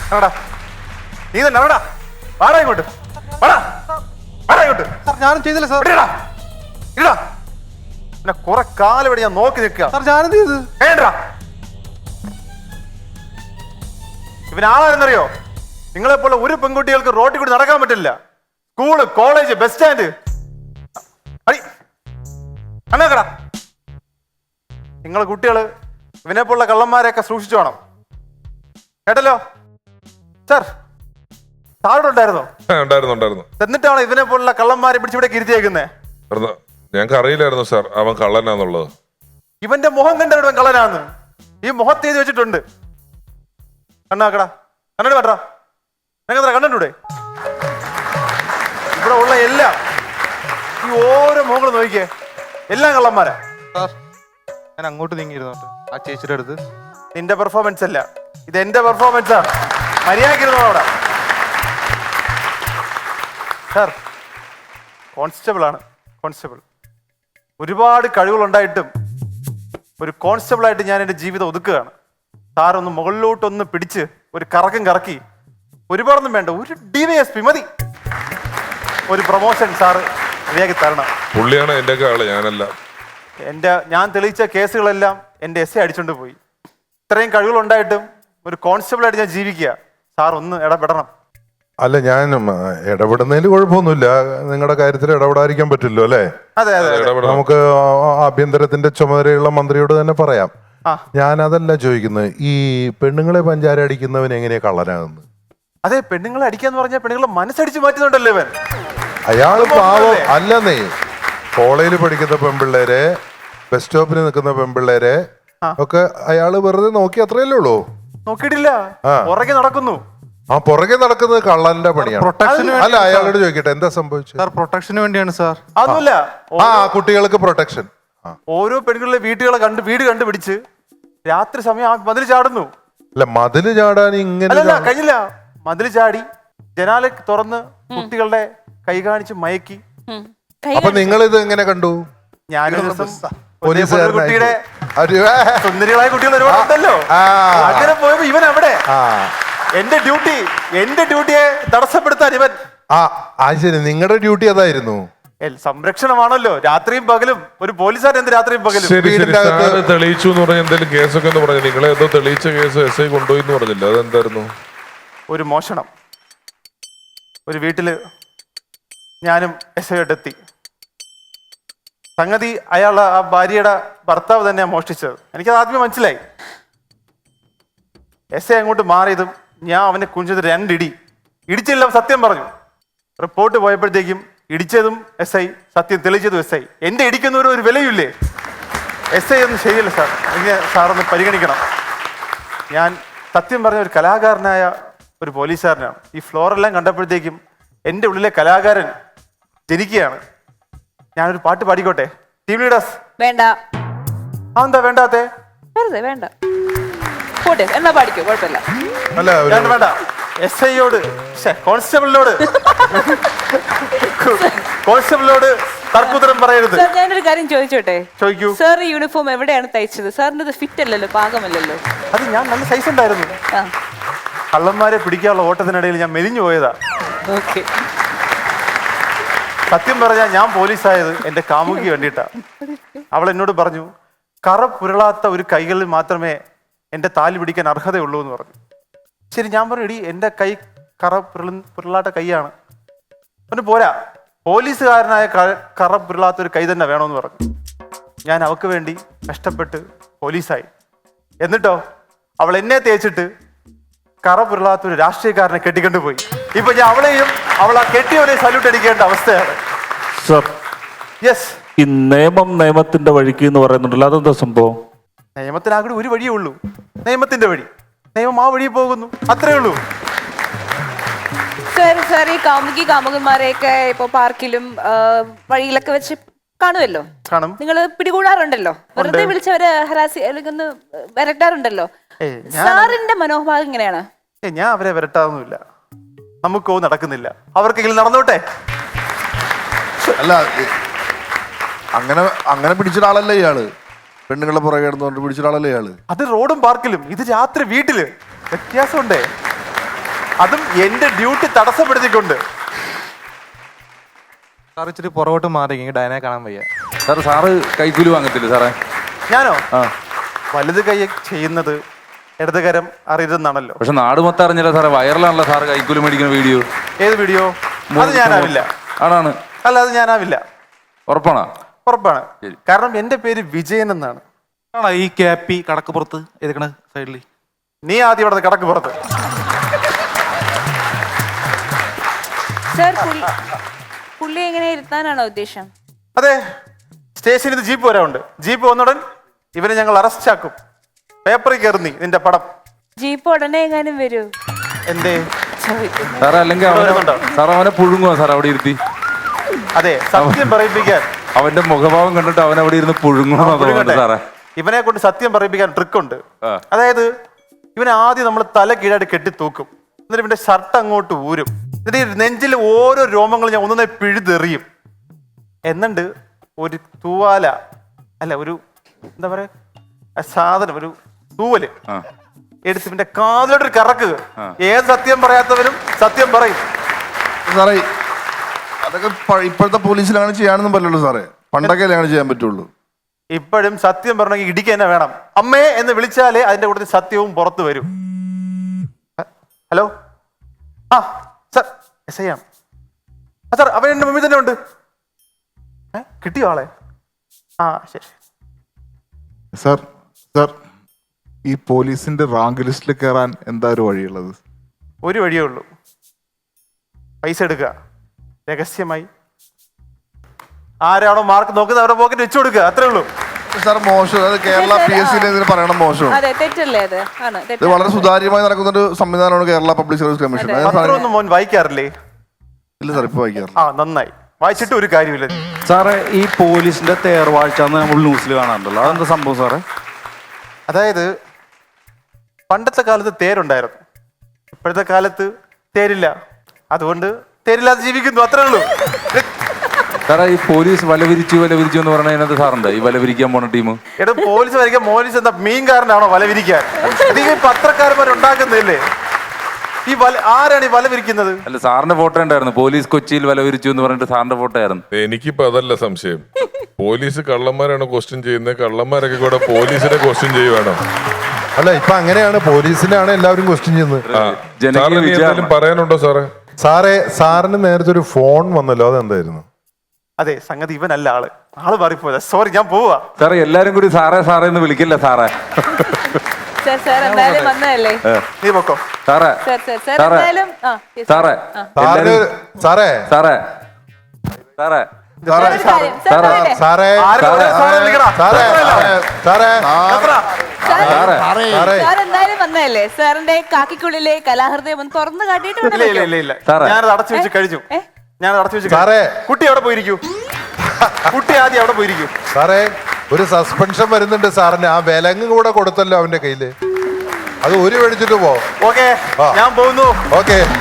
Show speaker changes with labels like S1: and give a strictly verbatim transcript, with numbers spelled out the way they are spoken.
S1: നീ തന്നെ എവിടാ? വാടാ ഇങ്ങോട്ട്, വാടാ, വാടാ ഇങ്ങോട്ട്.
S2: സാർ ഞാനും ചെയ്തില്ല സാർ.
S1: ഇടാ, ഇടാ. പിന്നെ കുറെ കാലം ഇവിടെ ഞാൻ നോക്കി നിൽക്കുക.
S2: സാർ ഞാനെന്ത് ചെയ്ത്?
S1: വേണ്ടാ. ഇവനാളാരെന്നറിയോ? നിങ്ങളെ പോലെ ഒരു പെൺകുട്ടികൾക്ക് റോട്ടിൽ കൂടി നടക്കാൻ പറ്റില്ല. School, college, bus stand. അണ്ണാക്കടാ, നിങ്ങളെ കുട്ടികള് ഇവനെ പോലുള്ള കള്ളന്മാരെയൊക്കെ സൂക്ഷിച്ചു വേണം കേട്ടല്ലോ. സാർ സാറോട് ഉണ്ടായിരുന്നോ?
S3: ഉണ്ടായിരുന്നു ഉണ്ടായിരുന്നു.
S1: എന്നിട്ടാണോ ഇവനെ പോലുള്ള കള്ളന്മാരെ പിടിച്ചിവിടെ ഇരുത്തിയേക്കുന്നേ?
S3: ഞങ്ങൾക്ക് അറിയില്ലായിരുന്നു സാർ അവൻ കള്ളനാന്നുള്ളത്.
S1: ഇവന്റെ മുഖം കണ്ടവൻ കള്ളനാന്ന് ഈ മുഖത്ത് എഴുതി വെച്ചിട്ടുണ്ട്. കണ്ണാക്കടാ, കണ്ണട വേട്ടാ, നിനക്ക് കണ്ടിട്ടൂടെ? ഇവിടെ ഉള്ള എല്ലാം ഈ ഓരോ മുഖങ്ങൾ നോക്കിയേ, എല്ലാം കള്ളന്മാരാ.
S2: സാർ ഞാൻ അങ്ങോട്ട് നീങ്ങിയിരുന്നു ആ ചേച്ചിയുടെ അടുത്ത്.
S1: നിന്റെ പെർഫോമൻസ് അല്ല, ഇത് എന്റെ പെർഫോമൻസാ. മര്യാദക്കിരുന്നോ അവിടെ. സാർ കോൺസ്റ്റബിൾ ആണ്, കോൺസ്റ്റബിൾ. ഒരുപാട് കഴിവുകളുണ്ടായിട്ടും ഒരു കോൺസ്റ്റബിൾ ആയിട്ട് ഞാൻ എൻ്റെ ജീവിതം ഒതുക്കുകയാണ്. സാറൊന്ന് മുകളിലോട്ടൊന്ന് പിടിച്ച് ഒരു കറക്കം കറക്കി, ഒരുപാടൊന്നും വേണ്ട, ഒരു ഡി വൈ എസ് പി മതി, ഒരു പ്രൊമോഷൻ സാറ് മര്യാദയ്ക്ക് തരണം.
S3: പുള്ളിയാണ് എൻ്റെ ആള്, ഞാനല്ല.
S1: എൻ്റെ ഞാൻ തെളിയിച്ച കേസുകളെല്ലാം എൻ്റെ എസ് എ അടിച്ചോണ്ട് പോയി. ഇത്രയും കഴിവുകളുണ്ടായിട്ടും ഒരു കോൺസ്റ്റബിളായിട്ട് ഞാൻ ജീവിക്കുക. സാർ ഒന്ന് ഇടപെടണം.
S4: അല്ല, ഞാൻ ഇടപെടുന്നതിൽ കുഴപ്പമൊന്നുമില്ല. നിങ്ങളുടെ കാര്യത്തിൽ ഇടപെടാതിരിക്കാൻ പറ്റില്ലോ അല്ലേ?
S1: അതെ അതെ,
S4: നമുക്ക് ആഭ്യന്തരത്തിന്റെ ചുമതലയുള്ള മന്ത്രിയോട് തന്നെ പറയാം. ഞാൻ അതല്ല ചോദിക്കുന്നത്, ഈ പെണ്ണുങ്ങളെ പഞ്ചാര അടിക്കുന്നവൻ എങ്ങനെയാ കള്ളനാകുന്നത്?
S1: അതെ, പെണ്ണുങ്ങളെ അടിക്കാന്ന് പറഞ്ഞാൽ പെണ്ണുങ്ങളെ മനസ്സടിച്ച് മാറ്റുന്നുണ്ടല്ലോ ഇവൻ.
S4: അയാള് പാവം അല്ലെന്നേ. കോളേജിൽ പഠിക്കുന്ന പെൺപിള്ളേരെ, ബസ് സ്റ്റോപ്പിൽ നിൽക്കുന്ന പെൺപിള്ളേരെ ഒക്കെ അയാള് വെറുതെ നോക്കി, അത്രയല്ലേ ഉള്ളൂ.
S1: നോക്കിയിട്ടില്ല, പുറകെ നടക്കുന്നു.
S4: ആ പുറകെ നടക്കുന്നത് കള്ളന്റെ പണിയാണ്.
S2: പ്രൊട്ടക്ഷന്
S4: അല്ല, അയാളോട് ചോദിക്കട്ടെ എന്താ സംഭവിച്ചത്?
S2: സാർ പ്രൊട്ടക്ഷന് വേണ്ടിയാണ് സാർ.
S1: അതൊന്നുമില്ല,
S4: ആ കുട്ടികൾക്ക് പ്രൊട്ടക്ഷൻ.
S1: ഓരോ പെണ്ണുങ്ങളിലെ വീട്ടുകളെ കണ്ട് വീട് കണ്ടുപിടിച്ച് രാത്രി സമയം ആ മതിൽ ചാടുന്നു.
S4: അല്ല, മതില് ചാടാൻ ഇങ്ങനെ
S1: അല്ലല്ല കഴിഞ്ഞില്ല, മതിൽ ചാടി ജനാല തുറന്ന് കുട്ടികളുടെ കൈ കാണിച്ച് മയക്കി.
S4: അപ്പൊ നിങ്ങൾ ഇത് എങ്ങനെ കണ്ടു?
S1: ഞാനൊരു ദിവസം
S4: പോലീസുകാരനായി
S1: കുട്ടിയുടെ സുന്ദരികളായ കുട്ടികൾ ഒരുപാടുണ്ടല്ലോ, അങ്ങനെ പോയപ്പോ ഇവൻ അവിടെ. എന്റെ ഡ്യൂട്ടി എന്റെ ഡ്യൂട്ടിയെ തടസ്സപ്പെടുത്താൻ ഇവൻ.
S4: ആ ആ ശരി, നിങ്ങളുടെ ഡ്യൂട്ടി അതായിരുന്നു.
S1: സംരക്ഷണമാണല്ലോ, രാത്രിയും പകലും. ഒരു പോലീസുകാരൻ എന്ത് രാത്രിയും പകലും?
S3: ശരി ശരി, സാറ് തെളിയിച്ചു എന്ന് പറഞ്ഞ എന്തെങ്കിലും കേസൊക്കെ എന്ന് പറഞ്ഞു. നിങ്ങളെ ഏതോ തെളിയിച്ച കേസ് എസ് ഐ കൊണ്ടുപോയി എന്ന് പറഞ്ഞില്ല, അതെന്തായിരുന്നു?
S1: ഒരു മോഷണം. ഒരു വീട്ടില് ഞാനും എസ് ഐ എത്തി. സംഗതി അയാൾ ആ ഭാര്യയുടെ ഭർത്താവ് തന്നെയാണ് മോഷ്ടിച്ചത്. എനിക്കത് ആദ്യമേ മനസ്സിലായി. എസ് ഐ അങ്ങോട്ട് മാറിയതും ഞാൻ അവനെ കുഞ്ചത് രണ്ടിടി ഇടിച്ചില്ല, സത്യം പറഞ്ഞു. റിപ്പോർട്ട് പോയപ്പോഴത്തേക്കും ഇടിച്ചതും എസ് ഐ, സത്യം തെളിയിച്ചതും എസ് ഐ. എന്റെ ഇടിക്കുന്നവരും ഒരു വിലയില്ലേ? എസ് ഐ ഒന്നും ശരിയല്ല സാർ, എനിക്ക് സാറൊന്ന് പരിഗണിക്കണം. ഞാൻ സത്യം പറഞ്ഞ ഒരു കലാകാരനായ ഒരു പോലീസുകാരനാണ്. ഈ ഫ്ലോറെല്ലാം കണ്ടപ്പോഴത്തേക്കും എൻ്റെ ഉള്ളിലെ കലാകാരൻ ജനിക്കുകയാണ്. ഞാനൊരു പാട്ട് പാടിക്കോട്ടെ? ടീം ലീഡേഴ്സ്
S5: വേണ്ട.
S1: ആ എന്താ വേണ്ടാത്തെ?
S5: വെറുതെ വേണ്ട, പോട്ടെ എന്നാ പാടിക്കോ, കുഴപ്പമില്ല.
S4: അല്ല
S1: വേണ്ട വേണ്ട, എസ് ഐയോട് കോൺസ്റ്റബിളിനോട് കോൺസ്റ്റബിളിനോട് തർക്കുത്തരം പറയരുത്.
S5: സാർ ഞാനൊരു കാര്യം ചോദിച്ചോട്ടെ?
S1: ചോദിക്കൂ.
S5: സാർ ഈ യൂണിഫോം എവിടെയാണ് തയ്ച്ചത്? സാറിന് ഇത് ഫിറ്റ് അല്ലല്ലോ, പാകമല്ലല്ലോ.
S1: അത് ഞാൻ നല്ല സൈസ് ഉണ്ടായിരുന്നു.
S5: ആ
S1: കള്ളന്മാരെ പിടിക്കാനുള്ള ഓട്ടത്തിനിടയിൽ ഞാൻ മെലിഞ്ഞു പോയതാ.
S5: ഓക്കെ.
S1: സത്യം പറഞ്ഞാൽ ഞാൻ പോലീസായത് എൻ്റെ കാമുകിക്ക് വേണ്ടിയിട്ടാ. അവൾ എന്നോട് പറഞ്ഞു, കറ പുരളാത്ത ഒരു കൈകളിൽ മാത്രമേ എൻ്റെ താലി പിടിക്കാൻ അർഹതയുള്ളൂ എന്ന് പറഞ്ഞു. ശരി, ഞാൻ പറഞ്ഞു, എടി എൻ്റെ കൈ കറ പുരള പുരളാത്ത കൈയാണ്. പിന്നെ പോരാ, പോലീസുകാരനായ കറ പുരളാത്ത ഒരു കൈ തന്നെ വേണമെന്ന് പറഞ്ഞു. ഞാൻ അവൾക്ക് വേണ്ടി കഷ്ടപ്പെട്ട് പോലീസായി. എന്നിട്ടോ അവൾ എന്നെ തേച്ചിട്ട് കറ പുരളാത്ത ഒരു രാഷ്ട്രീയക്കാരനെ കെട്ടിക്കൊണ്ടു പോയി. ഇപ്പൊ ഞാൻ അവളെയും അവൾ ആ കെട്ടിയവരെ സല്യൂട്ട് അടിക്കേണ്ട അവസ്ഥയാണ്.
S6: Sir,
S1: yes.
S6: ഈ നിയമം നിയമത്തിന്റെ വഴിക്ക് എന്ന് പറയുന്നുണ്ടല്ലോ, അതെന്താ സംഭവം?
S1: നിയമത്തിനാകെ ഒരു വഴിയേ ഉള്ളൂ, നിയമത്തിന്റെ വഴി. നിയമം ആ വഴി പോകുന്നു, അത്രേ ഉള്ളൂ.
S5: സാർ സാർ ഈ കാമുകി കാമുകന്മാരെയൊക്കെ ഇപ്പൊ പാർക്കിലും വഴിയിലൊക്കെ വെച്ച് കാണുമല്ലോ,
S1: കാണും.
S5: നിങ്ങൾ പിടികൂടാറുണ്ടല്ലോ, വെറുതെ വിളിച്ചവരെ ഹരാസി അല്ലെങ്കിൽ ഒന്ന് വരട്ടാറുണ്ടല്ലോ. സാറിന്റെ മനോഭാവം എങ്ങനെയാണ്?
S1: ഏ ഞാൻ അവരെ വരട്ടാതൊന്നുമില്ല, നമുക്കോ നടക്കുന്നില്ല, അവർക്കെങ്കിലും നടന്നോട്ടെ.
S7: അല്ല, അങ്ങനെ അങ്ങനെ പിടിച്ചൊരാളല്ലേ ഇയാള്? പെണ്ണുങ്ങളെ പുറകെ കിടന്നുകൊണ്ട് പിടിച്ചൊരാളല്ലേ ഇയാള്?
S1: അത് റോഡും പാർക്കിലും, ഇത് രാത്രി വീട്ടില്. വ്യത്യാസമുണ്ടേ. അതും എന്റെ ഡ്യൂട്ടി തടസ്സപ്പെടുത്തിക്കൊണ്ട്.
S2: സാർ ഇച്ചിരി പുറകോട്ട് മാറി ഡയനെ കാണാൻ വയ്യ.
S8: സാർ സാറ് കൈക്കൂലി വാങ്ങത്തില്ല സാറേ?
S1: ഞാനോ?
S8: ആ
S1: വലത് കൈ ചെയ്യുന്നത് ഇടത് കരം അറിയരുതെന്നാണല്ലോ.
S8: പക്ഷെ നാട് മൊത്തം അറിഞ്ഞില്ല സാറേ, വൈറലാണല്ലോ സാറ് കൈക്കൂലി മേടിക്കുന്ന വീഡിയോ.
S1: ഏത് വീഡിയോ? അത് ഞാനാവില്ല.
S8: ആണാണ്?
S1: അല്ല, അത് ഞാനാവില്ല.
S8: ഉറപ്പാണോ?
S1: ഉറപ്പാണ്. കാരണം എന്റെ പേര് വിജയൻ എന്നാണ്.
S2: ആണോ ഈ ക്യാപ്പി കടക്ക് പുറത്ത് എതുക്കണ സൈഡിൽ?
S1: നീ ആദ്യം ഇവിടെ കടക്ക് പുറത്ത്.
S5: സർ പുള്ളി പുള്ളി എങ്ങനെ ഇരുത്താനാണോ ഉദ്ദേശം?
S1: അതെ, സ്റ്റേഷനിൽ ഇത് ജീപ്പ് വരാറുണ്ട്. ജീപ്പ് വന്നുടൻ ഇവനെ ഞങ്ങൾ അറസ്റ്റ് ആക്കും. പേപ്പറിൽ കയറുന്നി നിന്റെ പടം.
S5: ജീപ്പ് ഉടനെ എങ്ങാനും വരൂ?
S1: എന്തേ
S8: സാറേ അല്ലെങ്കിൽ അവനെ സാർ അവനെ പുഴുങ്ങുവാ സാർ അവിടെ ഇരുത്തി?
S1: അതെ, സത്യം പറയിപ്പിക്കാൻ
S8: അവന്റെ മുഖഭാവം കണ്ടിട്ട് അവൻ അവിടെ ഇരുന്ന് പുഴുങ്ങുന്നു സാറേ.
S1: ഇവനെ കൊണ്ട് സത്യം പറയിപ്പിക്കാൻ ട്രിക്ക് ഉണ്ട്.
S8: ആ.
S1: അതായത് ഇവനെ ആദ്യം നമ്മൾ തല കീഴായിട്ട് കെട്ടി തൂക്കും. എന്നിട്ട് ഇവന്റെ ഷർട്ട് അങ്ങോട്ട് ഊരും. എന്നിട്ട് ഈ നെഞ്ചിൽ ഓരോ രോമങ്ങളും ഞാൻ ഒന്നൊന്നായി പിഴുതെറിയും. എന്നിട്ട് ഒരു തൂവാല അല്ല ഒരു എന്താ പറയാ ആ സാധനം, ഒരു തൂവല്
S8: ആ.
S1: എടുത്ത് ഇവന്റെ കാതിലോട്ടൊരു കറക്ക്. ഏത് സത്യം പറയാത്തവരും സത്യം പറയും.
S7: സാറേ അതൊക്കെ പ- ഇപ്പോഴത്തെ പോലീസിലാണ് ചെയ്യാനൊന്നും പറ്റുള്ളൂ സാറേ. പണ്ടൊക്കെ അങ്ങനെ ചെയ്യാൻ പറ്റുള്ളൂ.
S1: ഇപ്പോഴും സത്യം പറഞ്ഞെങ്കിൽ ഇടിക്കുക തന്നെ വേണം. അമ്മേ എന്ന് വിളിച്ചാലേ അതിന്റെ കൂടെ സത്യവും പുറത്തു വരും. ഹലോ, ആ സാർ എസ് ഐ ആണ്. ആ സാർ അവൻ എന്റെ മുമ്പിൽ തന്നെ ഉണ്ട്. ഏ കിട്ടിയോ ആളെ? ആ ശരി.
S9: സാർ സാർ ഈ പോലീസിന്റെ റാങ്ക് ലിസ്റ്റിൽ കയറാൻ എന്താ ഒരു വഴിയുള്ളത്?
S1: ഒരു വഴിയേ ഉള്ളൂ. പൈസ എടുക്കുക രഹസ്യമായി. ആരാണോ മാർക്ക് നോക്കുന്നത് അവരുടെ പോക്കറ്റ് വെച്ചു കൊടുക്കുക. അത്രേ ഉള്ളൂ.
S7: സാർ മോശം, അത് കേരള പി എസ് സിയിൽ ഇതിന് പറയണം മോശം.
S5: അതെ, തെറ്റല്ലേ അത്? ആണ്
S7: ഇത്
S5: തെറ്റ്.
S7: വളരെ സുതാര്യമായി നടക്കുന്ന ഒരു സംവിധാനമാണ് കേരള പബ്ലിക് സർവീസ് കമ്മീഷൻ. അത് സാറേ-
S1: പത്രമൊന്നും മോൻ വായിക്കാറില്ലേ?
S7: ഇല്ല സാർ, ഇപ്പൊ വായിക്കാറില്ല.
S1: ആ നന്നായി. വായിച്ചിട്ട് ഒരു കാര്യമില്ല.
S6: സാറേ ഈ പോലീസിന്റെ തേർവാഴ്ച നമ്മൾ ന്യൂസിൽ കാണാറുണ്ടല്ലോ, അതെന്താ സംഭവം സാറേ?
S1: അതായത് പണ്ടത്തെ കാലത്ത് തേരുണ്ടായിരുന്നു, ഇപ്പോഴത്തെ കാലത്ത് തേരില്ല. അതുകൊണ്ട് തേരില്ലാതെ ജീവിക്കുന്നു, അത്രേ ഉള്ളൂ.
S8: സാറേ ഈ പോലീസ് വലവിരിച്ചു വലവിരിച്ചു എന്ന് പറഞ്ഞാൽ അതിനകത്ത് സാറുണ്ട് ഈ വലവിരിക്കാൻ പോണ ടീം?
S1: എടാ പോലീസ് വരയ്ക്കാൻ പോലീസ് എന്താ മീൻകാരനാണോ വല വിരിക്കാൻ? ഇത് ഈ പത്രക്കാരന്മാരുണ്ടാക്കുന്നില്ലേ ഈ വല? ആരാണ് ഈ വല വിരിക്കുന്നത്?
S8: അല്ല സാറിന്റെ ഫോട്ടോ ഉണ്ടായിരുന്നു, പോലീസ് കൊച്ചിയിൽ വലവിരിച്ചു എന്ന് പറഞ്ഞിട്ട് സാറിന്റെ ഫോട്ടോ ആയിരുന്നു.
S3: എനിക്കിപ്പോ അതല്ല സംശയം. പോലീസ് കള്ളന്മാരാണ് ക്വസ്റ്റ്യൻ ചെയ്യുന്നത്, കള്ളന്മാരൊക്കെ കൂടെ പോലീസിനെ ക്വസ്റ്റ്യൻ ചെയ്യുവാണോ?
S4: അല്ല ഇപ്പൊ അങ്ങനെയാണ്, പോലീസിനാണ് എല്ലാവരും ക്വസ്റ്റ്യൻ ചെയ്യുന്നത്.
S8: ജനകീയ
S3: സാറിന് ഇനി
S8: വിചാരണ.
S3: എന്തെങ്കിലും പറയാനുണ്ടോ സാറേ?
S4: സാറേ സാറിന് നേരത്തെ ഒരു ഫോൺ വന്നല്ലോ, അതെന്തായിരുന്നു?
S1: അതെ, സംഗതി ഇവനല്ല ആള്. ആള് മാറിപ്പോയതാ. സോറി, ഞാൻ പോവാ.
S8: സാറേ എല്ലാരും കൂടി സാറേ സാറേ എന്ന് വിളിക്കില്ല സാറേ.
S5: സർ സാർ എന്തായാലും വന്നതല്ലേ?
S1: നീ പൊക്കോ.
S8: സാറേ
S5: സർ സർ സർ
S8: സാറേ.
S5: എന്തായാലും ആ yes,
S8: സാറേ
S5: ആ.
S4: സാറിന് സാറേ
S8: സാറേ സാറേ
S5: സാർ ഒരു കാര്യം, സാർ
S8: സാറേ.
S5: പറയട്ടെ?
S4: സാറേ
S1: ആരും ഇവിടെ സാറേ വിളിക്കടാ.
S4: സാറേ സാറേ
S1: എത്ര?
S8: സാറേ
S4: സാറേ
S5: സാർ എന്തായാലും വന്നതല്ലേ? സാറിന്റെ കാക്കിക്കുള്ളിലെ കലാഹൃദയം ഒന്ന് തുറന്നു കാട്ടിയിട്ട്
S1: ഇല്ല
S5: വേണം
S1: ഇല്ല
S5: വെക്കാൻ.
S1: ഇല്ല ഇല്ല
S8: സാറേ.
S1: ഞാനത് അടച്ചു വെച്ച് കഴിഞ്ഞു.
S5: ഏ?
S1: ഞാനത് അടച്ചു വെച്ച്
S4: സാറേ.
S1: കഴിഞ്ഞു. കുട്ടി അവിടെ പോയിരിക്കൂ. കുട്ടി ആദ്യം അവിടെ പോയിരിക്കൂ.
S4: സാറേ ഒരു സസ്പെൻഷൻ വരുന്നുണ്ട് സാറിന്. ആ വിലങ്ങ് കൂടെ കൊടുത്തല്ലോ അവന്റെ കയ്യില്, അത് ഒരു മേടിച്ചിട്ട് പോ.
S1: ഓക്കെ,
S4: ആ.
S1: ഞാൻ പോകുന്നു.
S4: ഓക്കെ